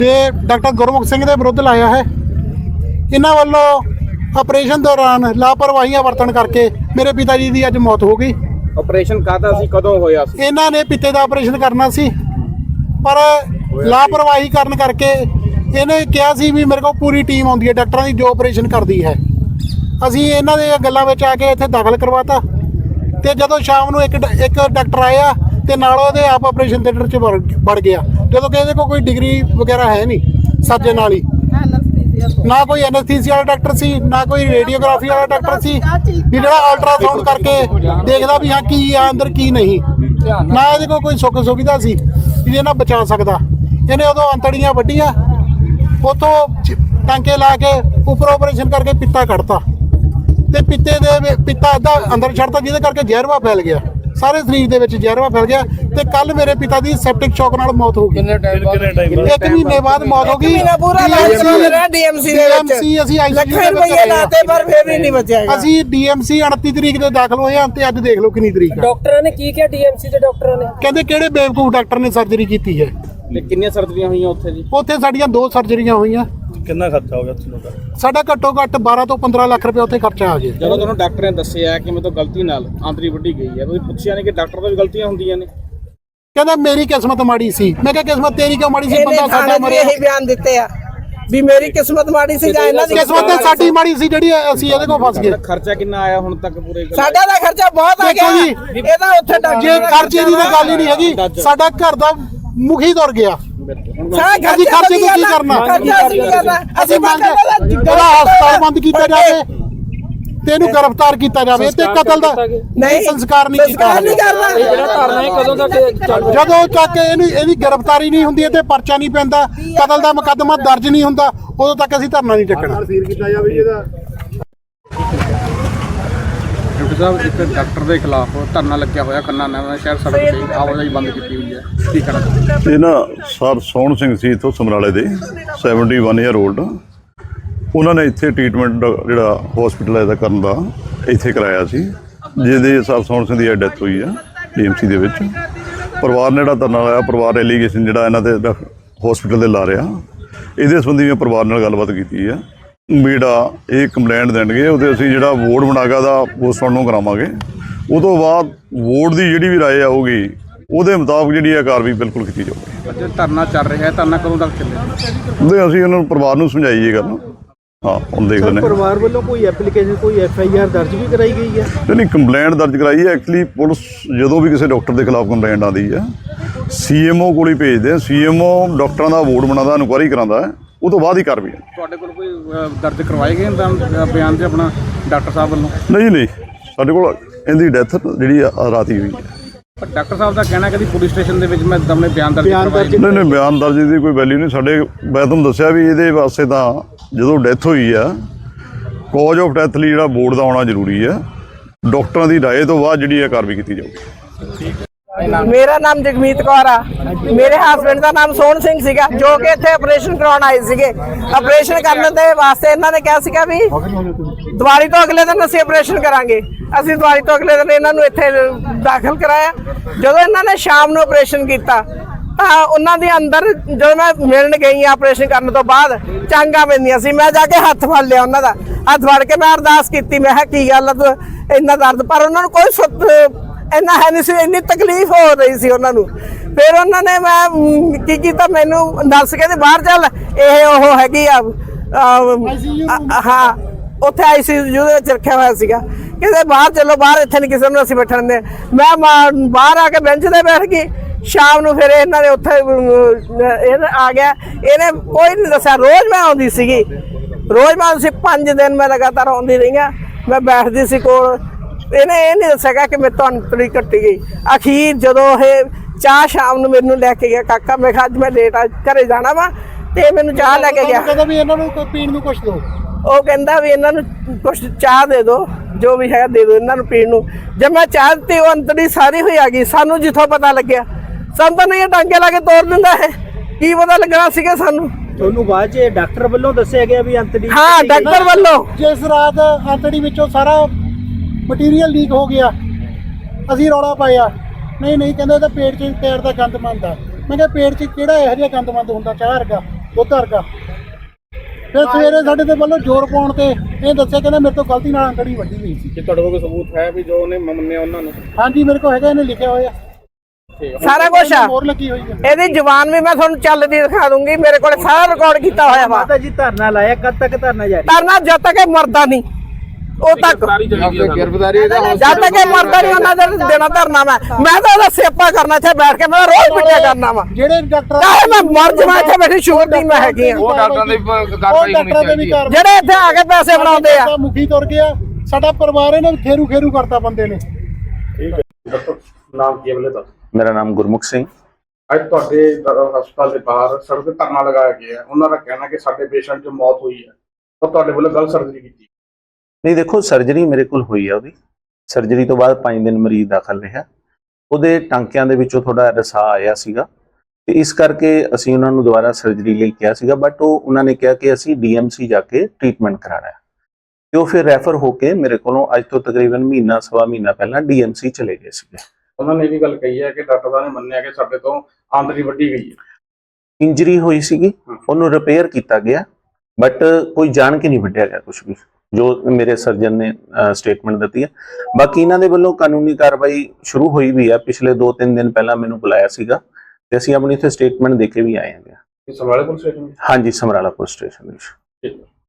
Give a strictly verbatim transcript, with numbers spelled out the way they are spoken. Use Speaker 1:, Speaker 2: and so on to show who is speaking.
Speaker 1: ਤੇ ਡਾਕਟਰ ਗੁਰਮੁਖ ਸਿੰਘ ਦੇ ਵਿਰੁੱਧ ਲਾਇਆ ਹੈ। ਇਹਨਾਂ ਵੱਲੋਂ ਆਪਰੇਸ਼ਨ ਦੌਰਾਨ ਲਾਪਰਵਾਹੀਆਂ ਵਰਤਣ ਕਰਕੇ ਮੇਰੇ ਪਿਤਾ ਜੀ ਦੀ ਅੱਜ ਮੌਤ ਹੋ ਗਈ।
Speaker 2: ਆਪਰੇਸ਼ਨ ਕਾਹਦਾ ਸੀ, ਕਦੋਂ ਹੋਇਆ ਸੀ?
Speaker 1: ਇਹਨਾਂ ਨੇ ਪਿੱਤੇ ਦਾ ਆਪਰੇਸ਼ਨ ਕਰਨਾ ਸੀ, ਪਰ ਲਾਪਰਵਾਹੀ ਕਰਨ ਕਰਕੇ ਇਹਨੇ ਕਿਹਾ ਸੀ ਵੀ ਮੇਰੇ ਕੋਲ ਪੂਰੀ ਟੀਮ ਆਉਂਦੀ ਹੈ ਡਾਕਟਰਾਂ ਦੀ ਜੋ ਆਪਰੇਸ਼ਨ ਕਰਦੀ ਹੈ। ਅਸੀਂ ਇਹਨਾਂ ਦੇ ਗੱਲਾਂ ਵਿੱਚ ਆ ਕੇ ਇੱਥੇ ਦਾਖਲ ਕਰਵਾਤਾ ਤੇ ਜਦੋਂ ਸ਼ਾਮ ਨੂੰ ਇੱਕ ਇੱਕ ਡਾਕਟਰ ਆਇਆ ਤੇ ਨਾਲ ਉਹਦੇ ਆਪ ਆਪਰੇਸ਼ਨ ਥੀਏਟਰ 'ਚ ਵੜ ਗਿਆ, ਜਦੋਂ ਕਿ ਇਹਦੇ ਕੋਲ ਕੋਈ ਡਿਗਰੀ ਵਗੈਰਾ ਹੈ ਨਹੀਂ ਸਰਜਨ ਵਾਲੀ, ਨਾ ਕੋਈ ਐਨਐਸਥੀਸੀਆ ਵਾਲਾ ਡਾਕਟਰ ਸੀ, ਨਾ ਕੋਈ ਰੇਡੀਓਗ੍ਰਾਫੀ ਵਾਲਾ ਡਾਕਟਰ ਸੀ ਵੀ ਜਿਹੜਾ ਅਲਟਰਾਸਾਊਂਡ ਕਰਕੇ ਦੇਖਦਾ ਵੀ ਹਾਂ ਕੀ ਆ ਅੰਦਰ ਕੀ ਨਹੀਂ, ਨਾ ਇਹਦੇ ਕੋਲ ਕੋਈ ਸੁੱਖ ਸੁਵਿਧਾ ਸੀ ਵੀ ਇਹਨਾਂ ਬਚਾ ਸਕਦਾ। ਇਹਨੇ ਉਦੋਂ ਅੰਤੜੀਆਂ ਵੱਢੀਆਂ, ਉੱਥੋਂ ਟਾਂਕੇ ਲਾ ਕੇ ਉੱਪਰ ਆਪਰੇਸ਼ਨ ਕਰਕੇ ਪਿੱਤਾ ਕੱਢਤਾ ਤੇ ਪਿੱਤੇ ਦੇ ਪਿੱਤਾ ਅੱਧਾ ਅੰਦਰ ਛੱਡਤਾ, ਜਿਹਦੇ ਕਰਕੇ ਜ਼ਹਿਰਵਾ ਫੈਲ ਗਿਆ, ਸਾਰੇ ਸਰੀਰ ਦੇ ਵਿੱਚ ਜ਼ਹਿਰਵਾ ਫੈਲ ਗਿਆ ਤੇ ਕੱਲ ਮੇਰੇ ਪਿਤਾ ਦੀ ਸੈਪਟਿਕ ਸ਼ੌਕ ਨਾਲ ਮੌਤ ਹੋ ਗਈ।
Speaker 2: ਕਿੰਨੇ ਟਾਈਮ ਬਾਅਦ?
Speaker 1: ਇੱਕ ਮਹੀਨੇ ਬਾਅਦ ਮੌਤ ਹੋ ਗਈ।
Speaker 3: ਡੀਐਮਸੀ ਦੇ ਵਿੱਚ
Speaker 1: ਅਸੀਂ ਆਈਸੀਯੂ ਦੇ
Speaker 3: ਰੁਪਏ ਲਾਤੇ ਪਰ ਫਿਰ ਵੀ ਨਹੀਂ ਬਚਿਆ।
Speaker 1: ਅਸੀਂ ਡੀਐਮਸੀ ਉਨੱਤੀ ਤਰੀਕ ਦੇ ਦਾਖਲ ਹੋਏ ਹਾਂ ਤੇ ਅੱਜ ਦੇਖ ਲਓ ਕਿੰਨੀ ਤਰੀਕ ਹੈ।
Speaker 4: ਡਾਕਟਰਾਂ ਨੇ ਕੀ ਕਿਹਾ? ਡੀਐਮਸੀ ਦੇ ਡਾਕਟਰਾਂ ਨੇ
Speaker 1: ਕਹਿੰਦੇ ਕਿਹੜੇ ਬੇਵਕੂਫ ਡਾਕਟਰ ਨੇ ਸਰਜਰੀ ਕੀਤੀ ਹੈ।
Speaker 2: ਕਿੰਨੀਆਂ ਸਰਜਰੀਆਂ ਹੋਈਆਂ ਉੱਥੇ ਜੀ?
Speaker 1: ਉੱਥੇ ਸਾਡੀਆਂ ਦੋ ਸਰਜਰੀਆਂ ਹੋਈਆਂ।
Speaker 5: ਕਿੰਨਾ ਖਰਚਾ ਹੋ ਗਿਆ ਤੁਹਾਨੂੰ?
Speaker 1: ਸਾਡਾ ਘੱਟੋ ਘੱਟ ਬਾਰਾਂ ਤੋਂ ਪੰਦਰਾਂ ਲੱਖ ਰੁਪਏ ਉੱਥੇ ਖਰਚਾ ਆ ਗਿਆ।
Speaker 2: ਜਦੋਂ ਤੁਹਾਨੂੰ ਡਾਕਟਰ ਨੇ ਦੱਸਿਆ ਕਿ ਮੇਰੇ ਤੋਂ ਗਲਤੀ ਨਾਲ ਆਂਤਰੀ ਵੱਢੀ ਗਈ ਹੈ, ਤੁਸੀਂ ਪੁੱਛਿਆ ਨਹੀਂ ਕਿ ਡਾਕਟਰ ਤੋਂ ਵੀ ਗਲਤੀਆਂ ਹੁੰਦੀਆਂ ਨੇ?
Speaker 1: ਕਹਿੰਦਾ ਮੇਰੀ ਕਿਸਮਤ ਮਾੜੀ ਸੀ। ਮੈਂ ਕਿਹਾ ਕਿਸਮਤ ਤੇਰੀ ਕਿਉਂ ਮਾੜੀ ਸੀ? ਬੰਦਾ ਸਾਡਾ ਮਰਿਆ।
Speaker 3: ਇਹੀ ਬਿਆਨ ਦਿੱਤੇ ਆ ਵੀ ਮੇਰੀ ਕਿਸਮਤ ਮਾੜੀ ਸੀ ਜਾਂ ਇਹਨਾਂ ਦੀ
Speaker 1: ਕਿਸਮਤ ਤੇ ਸਾਡੀ ਮਾੜੀ ਸੀ ਜਿਹੜੀ ਅਸੀਂ ਇਹਦੇ ਕੋਲ ਫਸ ਗਏ।
Speaker 2: ਖਰਚਾ ਕਿੰਨਾ ਆਇਆ ਹੁਣ ਤੱਕ ਪੂਰੇ?
Speaker 3: ਸਾਡਾ ਦਾ ਖਰਚਾ ਬਹੁਤ ਆ ਗਿਆ। ਇਹਦਾ ਉੱਥੇ ਡਾਕਟਰ
Speaker 1: ਜੇ ਖਰਚੇ ਦੀ ਤਾਂ ਗੱਲ ਹੀ ਨਹੀਂ ਹੈਗੀ, ਸਾਡਾ ਘਰ ਦਾ ਮੁਖੀ ਤੁਰ ਗਿਆ।
Speaker 3: ਅਸੀਂ
Speaker 1: ਖਰਚੇ ਨੂੰ ਕੀ ਕਰਨਾ? ਅਸੀਂ ਮੰਗ ਇਹਦਾ ਹਸਪਤਾਲ ਬੰਦ ਕੀਤਾ ਜਾਵੇ ਤੇ ਇਹਨੂੰ ਗ੍ਰਿਫਤਾਰ ਕੀਤਾ ਜਾਵੇ ਤੇ ਕਤਲ ਦਾ ਨਹੀਂ ਸੰਸਕਾਰ ਨਹੀਂ ਕੀਤਾ
Speaker 4: ਇਹ ਜਿਹੜਾ ਧਰਨਾ ਹੈ ਕਦੋਂ ਤੱਕ ਚੱਲ?
Speaker 1: ਜਦੋਂ ਤੱਕ ਇਹਨੂੰ ਇਹਦੀ ਗ੍ਰਿਫਤਾਰੀ ਨਹੀਂ ਹੁੰਦੀ ਤੇ ਪਰਚਾ ਨਹੀਂ ਪੈਂਦਾ, ਕਤਲ ਦਾ ਮੁਕੱਦਮਾ ਦਰਜ ਨਹੀਂ ਹੁੰਦਾ, ਉਦੋਂ ਤੱਕ ਅਸੀਂ ਧਰਨਾ ਨਹੀਂ ਚੱਕਣਾ।
Speaker 2: ਡਾਕਟਰ ਸਾਹਿਬ, ਇੱਕ ਡਾਕਟਰ ਦੇ ਖਿਲਾਫ ਧਰਨਾ ਲੱਗਿਆ ਹੋਇਆ ਖੰਨਾ ਨਵਾਂ ਸ਼ਹਿਰ ਸੜਕ ਤੇ, ਆਵਾਜਾਈ ਬੰਦ ਕੀਤੀ ਹੋਈ ਹੈ, ਕੀ ਕਹਿਣਾ?
Speaker 5: ਇਹ ਨਾ ਸਰ ਸੋਹਣ ਸਿੰਘ ਸੀ ਇੱਥੋਂ ਸਮਰਾਲੇ ਦੇ ਇਕਹੱਤਰ ਈਅਰ 올ਡ। ਉਹਨਾਂ ਨੇ ਇੱਥੇ ਟ੍ਰੀਟਮੈਂਟ ਜਿਹੜਾ ਹਸਪੀਟਲ ਇਹਦਾ ਕਰਨ ਦਾ ਇੱਥੇ ਕਰਾਇਆ ਸੀ, ਜਿਹਦੇ ਸਰ ਸੋਹਣ ਸਿੰਘ ਦੀ ਡੈਥ ਹੋਈ ਆ ਡੀਐਮਸੀ ਦੇ ਵਿੱਚ। ਪਰਿਵਾਰ ਨੇ ਜਿਹੜਾ ਧਰਨਾ ਲਾਇਆ, ਪਰਿਵਾਰ ਐਲੀਗੇਸ਼ਨ ਜਿਹੜਾ ਇਹਨਾਂ ਦੇ ਹਸਪੀਟਲ ਦੇ ਲਾ ਰਿਹਾ, ਇਹਦੇ ਸੰਬੰਧੀ ਮੈਂ ਪਰਿਵਾਰ ਨਾਲ ਗੱਲਬਾਤ ਕੀਤੀ ਆ। ਜਿਹੜਾ ਇਹ ਕੰਪਲੇਂਟ ਦੇਣਗੇ ਉਹਦੇ ਅਸੀਂ ਜਿਹੜਾ ਵੋਟ ਬਣਾਗਾ ਦਾ ਪੋਸਟਮਾਰਟਮ ਨੂੰ ਕਰਾਵਾਂਗੇ। ਉਹ ਤੋਂ ਬਾਅਦ ਵੋਟ ਦੀ ਜਿਹੜੀ ਵੀ ਰਾਏ ਆਊਗੀ ਉਹਦੇ ਮੁਤਾਬਕ ਜਿਹੜੀ ਹੈ ਕਾਰਵਾਈ ਬਿਲਕੁਲ ਕੀਤੀ ਜਾਊਗੀ।
Speaker 2: ਅੱਜ ਧਰਨਾ ਚੱਲ ਰਿਹਾ ਹੈ, ਧਰਨਾ ਕਦੋਂ ਤੱਕ ਚੱਲੇਗਾ?
Speaker 5: ਉਹਦੇ ਅਸੀਂ ਉਹਨਾਂ ਨੂੰ ਪਰਿਵਾਰ ਨੂੰ ਸਮਝਾਈਏ ਗੱਲ। ਹਾਂ, ਹੁਣ ਦੇਖਦੇ ਨੇ
Speaker 6: ਪਰਿਵਾਰ ਵੱਲੋਂ ਕੋਈ ਐਪਲੀਕੇਸ਼ਨ, ਕੋਈ ਐਫ ਆਈ ਆਰ ਦਰਜ ਵੀ ਕਰਾਈ ਗਈ ਹੈ?
Speaker 5: ਨਹੀਂ, ਕੰਪਲੇਂਟ ਦਰਜ ਕਰਾਈ ਹੈ। ਐਕਚੁਅਲੀ ਪੁਲਿਸ ਜਦੋਂ ਵੀ ਕਿਸੇ ਡਾਕਟਰ ਦੇ ਖਿਲਾਫ ਕੰਪਲੇਂਟ ਆਉਂਦੀ ਹੈ ਸੀਐਮਓ ਕੋਲ ਹੀ ਭੇਜਦੇ ਆ। ਸੀਐਮਓ ਡਾਕਟਰਾਂ ਦਾ ਵੋਟ ਬਣਾਉਂਦਾ, ਇਨਕੁਆਇਰੀ ਕਰਾਉਂਦਾ ਹੈ, ਉਹ ਤੋਂ ਬਾਅਦ ਹੀ ਕਾਰਵਾਈ।
Speaker 2: ਤੁਹਾਡੇ ਕੋਲ ਕੋਈ ਦਰਜ ਕਰਵਾਏ ਗਏ ਬਿਆਨ ਤੇ ਆਪਣਾ ਡਾਕਟਰ ਸਾਹਿਬ ਵੱਲੋਂ?
Speaker 5: ਨਹੀਂ ਨਹੀਂ, ਸਾਡੇ ਕੋਲ ਇਹਦੀ ਡੈਥ ਜਿਹੜੀ ਰਾਤ ਹੀ ਹੋਈ ਹੈ।
Speaker 2: ਪਰ ਡਾਕਟਰ ਸਾਹਿਬ ਦਾ ਕਹਿਣਾ ਕਿ ਪੁਲਿਸ ਸਟੇਸ਼ਨ ਦੇ ਵਿੱਚ ਮੈਂ ਦਮਨੇ ਬਿਆਨ ਦਰਜ ਕਰਵਾਏ।
Speaker 5: ਨਹੀਂ ਨਹੀਂ, ਬਿਆਨ ਦਰਜ ਦੀ ਕੋਈ ਵੈਲਿਊ ਨਹੀਂ ਸਾਡੇ। ਮੈਂ ਤੁਹਾਨੂੰ ਦੱਸਿਆ ਵੀ ਇਹਦੇ ਵਾਸਤੇ ਤਾਂ ਜਦੋਂ ਡੈਥ ਹੋਈ ਆ, ਕਾਜ਼ ਆਫ ਡੈਥ ਲਈ ਜਿਹੜਾ ਬੋਰਡ ਦਾ ਆਉਣਾ ਜ਼ਰੂਰੀ ਹੈ। ਡਾਕਟਰਾਂ ਦੀ ਰਾਏ ਤੋਂ ਬਾਅਦ ਜਿਹੜੀ ਹੈ ਕਾਰਵਾਈ ਕੀਤੀ ਜਾਊਗੀ।
Speaker 3: ਮੇਰਾ ਨਾਮ ਜਗਮੀਤ ਕੌਰ ਆ। ਮੇਰੇ ਹਸਬੈਂਡ ਦਾ ਨਾਮ ਸੋਹਣ ਸਿੰਘ ਸੀਗਾ, ਜੋ ਕਿ ਇੱਥੇ ਆਪਰੇਸ਼ਨ ਕਰਾਉਣ ਆਏ ਸੀਗੇ। ਆਪਰੇਸ਼ਨ ਕਰਨ ਦੇ ਵਾਸਤੇ ਇਹਨਾਂ ਨੇ ਕਿਹਾ ਸੀਗਾ ਵੀ ਦੀਵਾਲੀ ਤੋਂ ਅਗਲੇ ਦਿਨ ਅਸੀਂ ਆਪਰੇਸ਼ਨ ਕਰਾਂਗੇ। ਅਸੀਂ ਦੀਵਾਲੀ ਤੋਂ ਅਗਲੇ ਦਿਨ ਇਹਨਾਂ ਨੂੰ ਇੱਥੇ ਦਾਖਲ ਕਰਾਇਆ। ਜਦੋਂ ਇਹਨਾਂ ਨੇ ਸ਼ਾਮ ਨੂੰ ਆਪਰੇਸ਼ਨ ਕੀਤਾ ਤਾਂ ਉਹਨਾਂ ਦੇ ਅੰਦਰ ਜਦੋਂ ਮੈਂ ਮਿਲਣ ਗਈ ਆਪਰੇਸ਼ਨ ਕਰਨ ਤੋਂ ਬਾਅਦ ਚਾਂਗਾ ਪੈਂਦੀਆਂ ਸੀ। ਮੈਂ ਜਾ ਕੇ ਹੱਥ ਫੜ ਲਿਆ ਉਹਨਾਂ ਦਾ, ਹੱਥ ਫੜ ਕੇ ਮੈਂ ਅਰਦਾਸ ਕੀਤੀ। ਮੈਂ ਕਿਹਾ ਕੀ ਗੱਲ ਆ ਇੰਨਾ ਦਰਦ? ਪਰ ਉਹਨਾਂ ਨੂੰ ਕੋਈ ਸੁੱਤ ਇੰਨਾ ਹੈ ਨਹੀਂ ਸੀ, ਇੰਨੀ ਤਕਲੀਫ ਹੋ ਰਹੀ ਸੀ ਉਹਨਾਂ ਨੂੰ। ਫਿਰ ਉਹਨਾਂ ਨੇ ਮੈਂ ਕੀ ਕੀਤਾ, ਮੈਨੂੰ ਦੱਸ ਕੇ ਤੇ ਬਾਹਰ ਚੱਲ, ਇਹ ਉਹ ਹੈਗੀ ਆ ਹਾਂ ਉੱਥੇ ਆਈਸੀਯੂ ਦੇ ਵਿੱਚ ਰੱਖਿਆ ਹੋਇਆ ਸੀਗਾ। ਕਹਿੰਦੇ ਬਾਹਰ ਚਲੋ, ਬਾਹਰ ਇੱਥੇ ਨਹੀਂ ਕਿਸੇ ਨੂੰ ਅਸੀਂ ਬੈਠਣ ਦੇ। ਮੈਂ ਬਾਹਰ ਆ ਕੇ ਬੈਂਚ ਤੇ ਬੈਠ ਗਈ। ਸ਼ਾਮ ਨੂੰ ਫਿਰ ਇਹਨਾਂ ਨੇ ਉੱਥੇ ਇਹ ਆ ਗਿਆ। ਇਹਨੇ ਕੋਈ ਨਹੀਂ ਦੱਸਿਆ। ਰੋਜ਼ ਮੈਂ ਆਉਂਦੀ ਸੀਗੀ, ਰੋਜ਼ ਮੈਂ ਆਉਂਦੀ ਸੀ। ਪੰਜ ਦਿਨ ਮੈਂ ਲਗਾਤਾਰ ਆਉਂਦੀ ਰਹੀ ਹਾਂ। ਮੈਂ ਬੈਠਦੀ ਸੀ ਕੋਲ। ਇਹਨੇ ਇਹ ਨਹੀਂ ਦੱਸਿਆ ਕਿ ਮੇਰੇ ਤੋਂ ਅੰਤੜੀ ਕੱਟੀ ਗਈ। ਅਖੀਰ ਜਦੋਂ ਇਹ ਚਾਹ ਸ਼ਾਮ ਨੂੰ ਮੈਨੂੰ ਲੈ ਕੇ ਗਿਆ ਕਾਕਾ, ਮੈਂ ਕਿਹਾ ਅੱਜ ਮੈਂ ਲੇਟ ਆ ਘਰੇ ਜਾਣਾ ਵਾ, ਤੇ ਮੈਨੂੰ ਚਾਹ ਲੈ ਕੇ ਗਿਆ।
Speaker 1: ਕਹਿੰਦਾ ਵੀ ਇਹਨਾਂ ਨੂੰ ਕੋਈ ਪੀਣ ਨੂੰ ਕੁਛ ਦਿਓ।
Speaker 3: ਉਹ ਕਹਿੰਦਾ ਵੀ ਇਹਨਾਂ ਨੂੰ ਕੁਛ ਚਾਹ ਦੇ ਦਿਓ, ਜੋ ਵੀ ਹੈ ਦੇ ਦਿਓ ਇਹਨਾਂ ਨੂੰ ਪੀਣ ਨੂੰ। ਜਦ ਮੈਂ ਚਾਹ ਦਿੱਤੀ, ਉਹ ਅੰਤੜੀ ਸਾਰੀ ਹੋਈ ਆ ਗਈ। ਸਾਨੂੰ ਜਿੱਥੋਂ ਪਤਾ ਲੱਗਿਆ, ਸਾਨੂੰ ਤਾਂ ਨਹੀਂ ਟਾਂਕੇ ਲਾ ਕੇ ਤੋੜ ਦਿੰਦਾ ਹੈ, ਕੀ ਪਤਾ ਲੱਗਣਾ ਸੀਗਾ ਸਾਨੂੰ।
Speaker 6: ਤੁਹਾਨੂੰ ਬਾਅਦ ਚ ਡਾਕਟਰ ਵੱਲੋਂ ਦੱਸਿਆ ਗਿਆ ਵੀ ਅੰਤੜੀ?
Speaker 3: ਹਾਂ, ਡਾਕਟਰ ਵੱਲੋਂ।
Speaker 1: ਜਿਸ ਰਾਤ ਅੰਤੜੀ ਵਿੱਚੋਂ ਸਾਰਾ ਮਟੀਰੀਅਲ ਲੀਕ ਹੋ ਗਿਆ, ਅਸੀਂ ਰੌਲਾ ਪਾਇਆ। ਨਹੀਂ ਨਹੀਂ, ਕਹਿੰਦੇ ਤਾਂ ਪੇਟ 'ਚ ਪੈਰ ਦਾ ਗੰਦ ਮੰਦ ਆ। ਮੈਂ ਕਿਹਾ ਪੇਟ 'ਚ ਕਿਹੜਾ ਇਹੋ ਜਿਹਾ ਗੰਦ ਮੰਦ ਹੁੰਦਾ ਚਾਹ ਵਰਗਾ? ਉਹ ਘਰ ਦਾ ਫਿਰ ਸਵੇਰੇ ਸਾਡੇ ਤੇ ਵੱਲੋਂ ਜ਼ੋਰ ਪਾਉਣ ਤੇ ਇਹ ਦੱਸਿਆ ਕਹਿੰਦਾ ਮੇਰੇ ਤੋਂ ਗਲਤੀ ਨਾਲ ਅੰਗੜੀ ਵੱਢੀ ਗਈ ਸੀ।
Speaker 2: ਕਿ ਤੁਹਾਡੇ ਕੋਲ ਕੋਈ ਸਬੂਤ ਹੈ ਵੀ ਜੋ ਉਹਨੇ ਮੰਨਿਆ ਉਹਨਾਂ ਨੂੰ?
Speaker 1: ਹਾਂਜੀ ਮੇਰੇ ਕੋਲ ਹੈਗਾ, ਇਹਨੇ ਲਿਖਿਆ ਹੋਇਆ
Speaker 3: ਸਾਰਾ ਕੁਝ ਆ।
Speaker 1: ਮੋਹਰ ਲੱਗੀ ਹੋਈ ਹੈ।
Speaker 3: ਇਹਦੀ ਜ਼ੁਬਾਨ ਵੀ ਮੈਂ ਤੁਹਾਨੂੰ ਚੱਲਦੀ ਦਿਖਾ ਦੂੰਗੀ, ਮੇਰੇ ਕੋਲ ਸਾਰਾ ਰਿਕਾਰਡ ਕੀਤਾ ਹੋਇਆ ਵਾ।
Speaker 6: ਮਾਤਾ ਜੀ ਧਰਨਾ ਲਾਇਆ, ਕਦ ਤੱਕ ਧਰਨਾ ਜਾਰੀ?
Speaker 3: ਧਰਨਾ ਜਦ ਤੱਕ ਇਹ ਮਰਦਾ ਨਹੀਂ ਉਹ ਤੱਕ,
Speaker 2: ਗ੍ਰਿਫਤਾਰੀ
Speaker 3: ਜਦ ਤੱਕ ਇਹ ਮਰਦਾ ਨਹੀਂ ਉਹਨਾਂ ਦੇ ਦੇਣਾ ਧਰਨਾ। ਮੈਂ ਮੈਂ ਤਾਂ ਉਹਦਾ ਸੇਪਾ ਕਰਨਾ ਇੱਥੇ ਬੈਠ ਕੇ, ਮੈਂ ਰੋਜ਼ ਪਿੱਛੇ ਕਰਨਾ ਵਾ।
Speaker 1: ਜਿਹੜੇ ਡਾਕਟਰ
Speaker 3: ਚਾਹੇ ਮੈਂ ਮਰ ਜਾਵਾਂ ਇੱਥੇ ਬੈਠੀ, ਸ਼ੂਗਰ ਦੀ ਮੈਂ ਹੈਗੀ ਆ।
Speaker 2: ਉਹ ਡਾਕਟਰਾਂ ਦੀ ਕਾਰਵਾਈ ਹੋਣੀ ਚਾਹੀਦੀ ਹੈ।
Speaker 3: ਜਿਹੜੇ ਇੱਥੇ ਆ ਕੇ ਪੈਸੇ ਬਣਾਉਂਦੇ ਆ।
Speaker 1: ਮੁਖੀ ਤੁਰ ਗਿਆ, ਸਾਡਾ ਪਰਿਵਾਰ ਇਹਨੇ ਖੇਰੂ ਖੇਰੂ ਕਰਤਾ ਬੰਦੇ ਨੇ।
Speaker 2: ਨਾਮ ਕੀ ਹੈ ਬਲੇ?
Speaker 7: ਮੇਰਾ ਨਾਮ ਗੁਰਮੁਖ ਸਿੰਘ।
Speaker 2: ਅੱਜ ਤੁਹਾਡੇ ਹਸਪਤਾਲ ਦੇ ਬਾਹਰ ਸੜਕ ਤੇ ਧਰਨਾ ਲਗਾਇਆ ਗਿਆ ਹੈ। ਉਹਨਾਂ ਦਾ ਕਹਿਣਾ ਕਿ ਸਾਡੇ ਪੇਸ਼ੈਂਟ ਦੀ ਮੌਤ ਹੋਈ ਹੈ ਔਰ ਤੁਹਾਡੇ ਵੱਲੋਂ ਗਲਤ ਸਰਜਰੀ ਕੀਤੀ।
Speaker 7: ਨਹੀਂ ਦੇਖੋ, ਸਰਜਰੀ ਮੇਰੇ ਕੋਲ ਹੋਈ ਆ ਉਹਦੀ। ਸਰਜਰੀ ਤੋਂ ਬਾਅਦ ਪੰਜ ਦਿਨ ਮਰੀਜ਼ ਦਾਖਲ ਰਿਹਾ। ਉਹਦੇ ਟਾਂਕਿਆਂ ਦੇ ਵਿੱਚੋਂ ਥੋੜਾ ਰਸਾ ਆਇਆ ਸੀਗਾ ਤੇ ਇਸ ਕਰਕੇ ਅਸੀਂ ਉਹਨਾਂ ਨੂੰ ਦੁਬਾਰਾ ਸਰਜਰੀ ਲਈ ਕਿਹਾ ਸੀਗਾ, ਬਟ ਉਹ ਉਹਨਾਂ ਨੇ ਕਿਹਾ ਕਿ ਅਸੀਂ ਡੀਐਮਸੀ ਜਾ ਕੇ ਟ੍ਰੀਟਮੈਂਟ ਕਰਾਣਾ ਹੈ ਤੇ ਉਹ ਫਿਰ ਰੈਫਰ ਹੋ ਕੇ ਮੇਰੇ ਕੋਲੋਂ ਅੱਜ ਤੋਂ ਤਕਰੀਬਨ ਮਹੀਨਾ ਸਵਾ ਮਹੀਨਾ ਪਹਿਲਾਂ ਡੀਐਮਸੀ ਚਲੇ ਗਏ ਸੀਗੇ।
Speaker 2: ਉਹਨਾਂ ਨੇ ਇਹ ਵੀ ਗੱਲ ਕਹੀ ਹੈ ਕਿ ਡਾਕਟਰ ਸਾਹਿਬ ਨੇ ਮੰਨਿਆ ਕਿ ਸਾਡੇ ਤੋਂ ਆਂਦਰੀ ਵੱਢੀ ਗਈ ਹੈ।
Speaker 7: ਇੰਜਰੀ ਹੋਈ ਸੀਗੀ, ਉਹਨੂੰ ਰਿਪੇਅਰ ਕੀਤਾ ਗਿਆ, ਬਟ ਕੋਈ ਜਾਣ ਕੇ ਨਹੀਂ ਵੱਢਿਆ ਗਿਆ ਕੁਝ ਵੀ, ਜੋ ਮੇਰੇ ਸਰਜਨ ਨੇ ਸਟੇਟਮੈਂਟ ਦਿੱਤੀ ਹੈ। ਬਾਕੀ ਇਹਨਾਂ ਦੇ ਵੱਲੋਂ ਕਾਨੂੰਨੀ ਕਾਰਵਾਈ ਸ਼ੁਰੂ ਹੋਈ ਵੀ ਆ। ਪਿਛਲੇ ਦੋ ਤਿੰਨ ਦਿਨ ਪਹਿਲਾਂ ਮੈਨੂੰ ਬੁਲਾਇਆ ਸੀਗਾ ਤੇ ਅਸੀਂ ਆਪਣੀ ਇੱਥੇ ਸਟੇਟਮੈਂਟ ਦੇ ਕੇ ਵੀ ਆਏ ਹਾਂ।
Speaker 2: Samrala police station?
Speaker 7: ਹਾਂਜੀ, ਸਮਰਾਲਾ ਪੁਲਿਸ ਸਟੇਸ਼ਨ ਵਿੱਚ।
Speaker 2: ਠੀਕ ਹੈ।